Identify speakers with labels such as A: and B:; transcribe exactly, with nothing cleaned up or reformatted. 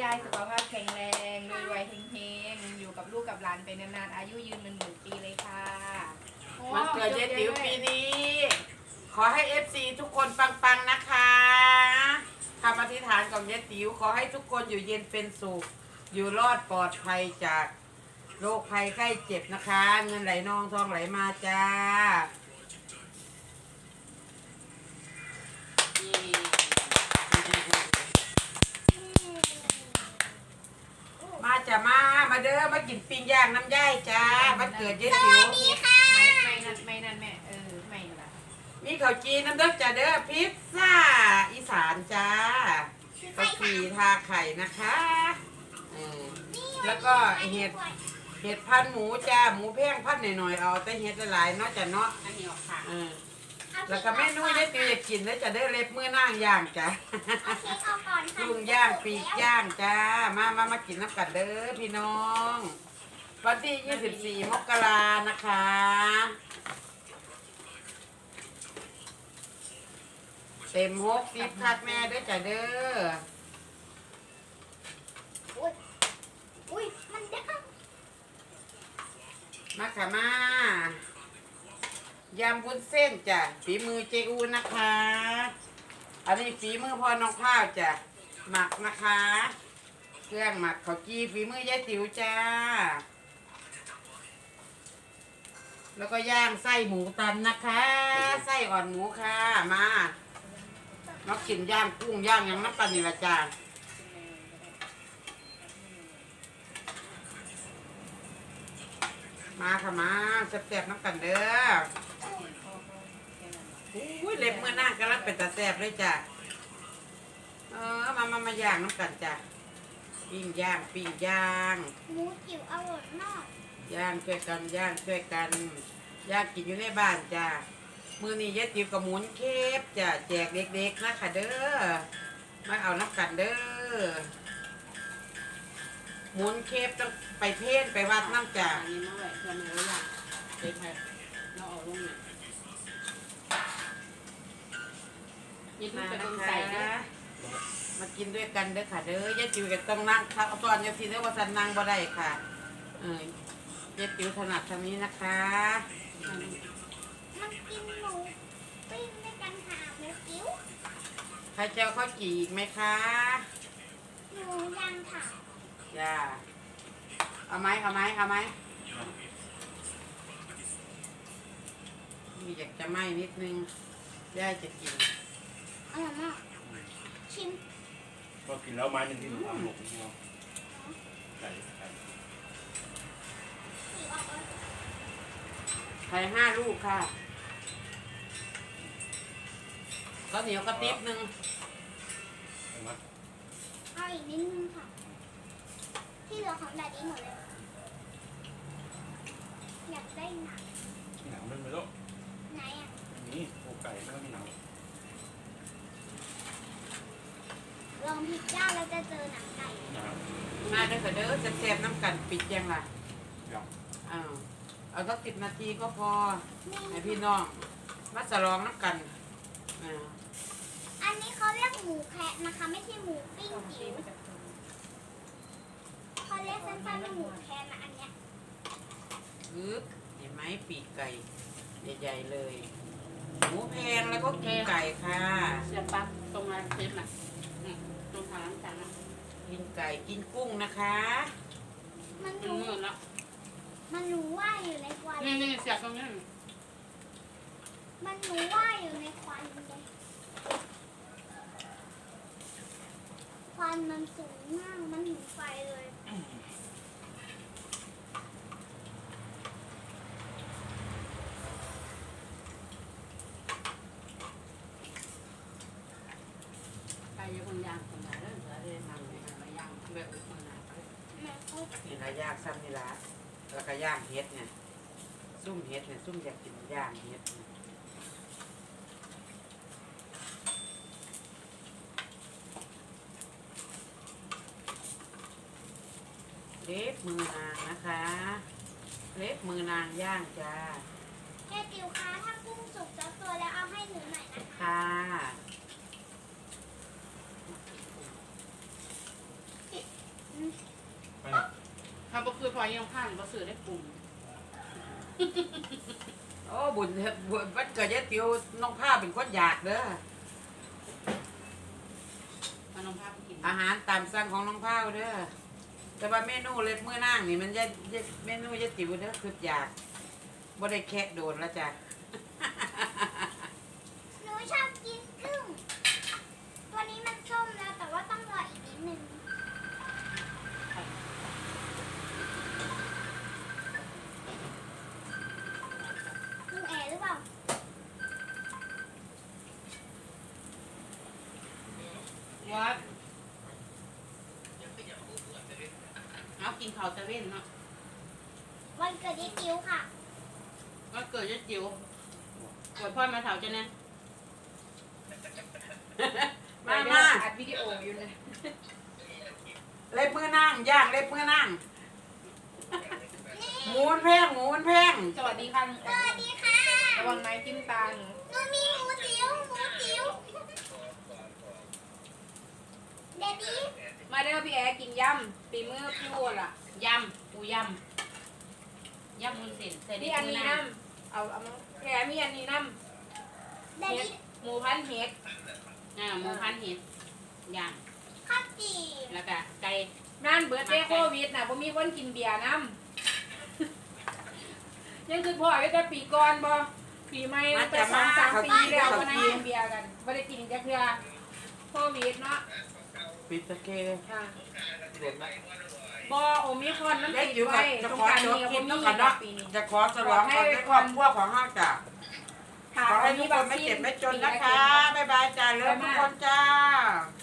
A: ายสุขภาพแข็งแรงรวยๆเฮงๆอยู่กับลูกกับหลานไปนานๆอายุยืนเป็นหมื่นปีเลยค่ะ
B: วันเกิดเจ๊ติ๋วปีนี้ ขอให้เอฟซีทุกคนปังๆนะคะคำอธิษฐานของเจ๊ติ๋วขอให้ทุกคนอยู่เย็นเป็นสุขอยู่รอดปลอดภัยจากโรคภัยไข้เจ็บนะคะ เงินไหลนองทองไหลมาจ้ามาจ้ะมามาเด้อมากินปิ้งย่างน้ำย่ายจ้าวันเกิดเจ๊ติ๋ว
A: ไม่ไม่นั่นไม่นั่นแม่เออไม่ละ
B: มีข้าวจีนน้ำเด้อจ้าเด้อพิซซ่าอีสานจ้าข้าวจีทาไข่นะคะเออแล้วก็เห็ดเห็ดพันหมูจ้าหมูแพงพันหน่อยๆเอาแต่เห็ดหลายๆเนาะจ้ะเนาะอันนี้ออกค่ะเออแล้วก็แม่นุ้ยได้ตีอยากกินแล้วจะได้เล็บมือนั่งย่างจ้ะลุงย่างปีกย่างจ้ามามามากินน้ำกันเด้อพี่น้องวันที่ยี่สิบสี่มกรานะคะเต็มหกสิบคักแม่ด้วยจ้ะเด้อ
C: อุ้ยมันดัง
B: มาค่ะมายำวุ้นเส้นจ้ะฝีมือเจอูนะคะอันนี้ฝีมือพ่อน้องข้าวจ้ะหมักนะคะเครื่องหมักข้าวจีฝีมือยายติ๋วจ้าแล้วก็ย่างไส้หมูตันนะคะไส้อ่อนหมูค่ะมามากินย่างกุ้งย่างยังน้ำปันนี่ละจ้ามาค่ะมาแซ่บๆน้ำกันเด้ออุ้ยเล็บเมื่อหน้ากำลังเป็นตาแซ่บเลยจ้ะเออมามามาย่างน้ำกันจ้ะปิ้งย่างปิ้งย่าง
C: หมูจิ๋วอร่อยมาก
B: ย่างช่วยกันย่างช่วยกันย่างกินอยู่ในบ้านจ้ะมือนี้ยายติ๋วกับหมุนเคฟจ้ะแจกเด็กๆนะค่ะเด้อมาเอาน้ำกันเด้อหมุนเคฟต้องไปเพ่นไปวัดน้ำจ้ะ
D: อันนี้มาไว้เพื่อนเราอยากเด็กให้เราเอาลงเนี่ยยิ่ง
B: มา
D: ไป
B: นะ
D: ตรง
B: คะ
D: ใส่นะ
B: มากินด้วยกันเด้อค่ะเด้อยายติ๋วก็ต้องนั่งถ้าตอนยายติ๋วเด้อว่าสันนั่งบ่ได้ค่ะเออยายติ๋วถนัดทางนี้นะคะ
C: มันกินหมูปิ้งด้วยกันค่ะหมูจิ๋ว
B: ใครเจ้าข้าวจี่อีกไหมคะ
C: หมูย่างค่ะ
B: จ้าเอาไหมเอาไหมเอาไหมมีอยากจะไหมนิดนึงย่าจะกิน
C: อร่อยมากชิม
E: ก็กินแล้วไม้หนึ่งที่หนูทำหมกนี่เนาะไก่ไก่
C: สีออกเลย
B: ไข่ห้าลูกค่ะก็เหนียวกระติบนึง
E: เห็นไหม
C: เอาอีกนิดนึงค่ะที่เหลือของแดดดี้หมดเลยอยากได้หนัง
E: หนังมันไม่รู้
C: ไหนอ่ะ
E: นี่โอไก่ไม่ต้องมีหนัง
C: ลองพิซซ่าแล้วจะเจอหนังไก่
E: นะครับ
B: มาเด้อค่ะเด้อจะแซ่บน้ำกันปิดยังล่ะ
E: อย่าง
B: อ้าวเอาสักสิบนาทีก็พอ
C: นี่
B: ให้พี่น้องมาสลองน้ำกันอ่า
C: อันนี้เขาเรียกหมูแคะนะคะ ไม่ใช่หมูปิ้งจิ๋วเขาเรียกสั้นๆว่าหมูแคะนะอันเนี้ย
B: อึ๊บเห็นไหมปีกไก่ใหญ่ๆเลยหมูแพงแล้วก็กินไก่ค่ะ
D: เสียบปั๊บตรงนั้นเทปน่ะอืมตรงทางจานน่ะ
B: กินไก่กินกุ้งนะคะ
C: มัน
D: ถึง
C: รู้
D: เงินแล้ว
C: มันรู้ว่าอยู่ในควัน
D: นี่นี่เสียบตรงนี้
C: มันรู้ว่าอยู่ในควันเลยควันมันสูงมากมันถึงไฟเลย
D: ไปยังคนยางคนไหนแล้วจะได้ทำในการย่างแบบอุปนาไป
C: แม่พูด
B: นี่ละย่างซ้ำนี่ละแล้วก็ย่างเฮ็ดเนี่ยซุ่มเฮ็ดเนี่ยซุ่มอยากกินย่างเฮ็ดเนี่ยเล็บมือนางนะคะเล็บมือนางย่างจ้า
C: แค่ติวคะถ้ากุ้งสุกจะตัวแล้วเอาให้หนูหน่อยนะคะ
B: ค่ะ
D: ยังผ่านก็ซื้อได้กลุ่ม
B: โอ้บุญเฮ็ดบุญวันเกิดยายติ๋วน้องผ้าเป็นคนอยากเด้อ
D: มาน้องภาพกิน
B: อาหารตามสั่งของน้องผ้าเด้อแต่ว่าเมนูเล็บมื้อนางนี่มันจะเมนูยายติ๋วเด้อคืออยากบ่ได้แคะโดนแล้วจ้ะ
C: หนูชอบกินกุ้งตัวนี้มันส้มแล้วแต่ว่าต้องรออีกนิดนึงกุ้งแอร์หรือเปล่า
D: วัดเอากินข้าวตะเวนเนาะ
C: วันเกิดยายติ๋วค่ะ
D: ก็เกิดจะจิ๋วกดพ่อมาเถาจะเนี่ย
B: มา
A: ไป
B: มา
A: อัดวิดีโออยู่เลย
B: เล็บมื้อนางย่างเล็บมื้อนางหมูมันแพงหมูมันแพง
A: สวัสดีค่ะลุง
C: ส
A: แอ
C: วัส
A: น
C: ดีค่ะ
A: ระวังไม้จิ้มตาหนู
C: หนูมีหมูติ๋วหมูติ๋วเดดดี้
A: มาเด้อพี่แอร์กินยำปีมือพี่วัวล่ะ
D: ยำปูยำยำมุนเส้นใส่
A: นี่
D: ได้
A: อัน
D: ปู
A: นี้
D: นา
A: น้ำเอาเอามาแกมีอันนี้น้
C: เด
A: ำ
C: ด
A: เห็ด
C: ดี้
A: หมูพันเห็ด
D: อ่าหมูพันเห็ดย่าง
C: ข้าวจี
D: แล้วก็ไก่
A: นั่นเบิร์ดเดย์โควิดน่ะผมมีคนกินเบียร์น้ำ ยังคือพ่อไว้แต่ปีก่อนบ่ปีใหม่ตั้งแต่สองสามปีแล้วก็นั่งกินเบียร์กันไม่ได้กินจักเทื่อโควิดเนาะ
B: ปิดตะเก
A: ค่ะ
E: เด็ดไหม
A: บ่โอมิครอนมัน
B: ยาย
A: ติด
B: ติ๋วก็
A: ไว้
B: จะ
A: สง
B: ขอก
A: ราร
B: จบ
A: นี้
B: คลิ
A: ก็
B: ป
A: บ่
B: แล้ว
A: มี
B: กันเนาะ
A: ปีนี้
B: จะขอฉลองกันด้วยครอบครัวของห้าจ้ะ
A: ค่ะ
B: ขอให้ทุกคนไม่เจ็บไม่จนนะคะ บ๊ายบายจ้าเลิฟทุกคนจ้า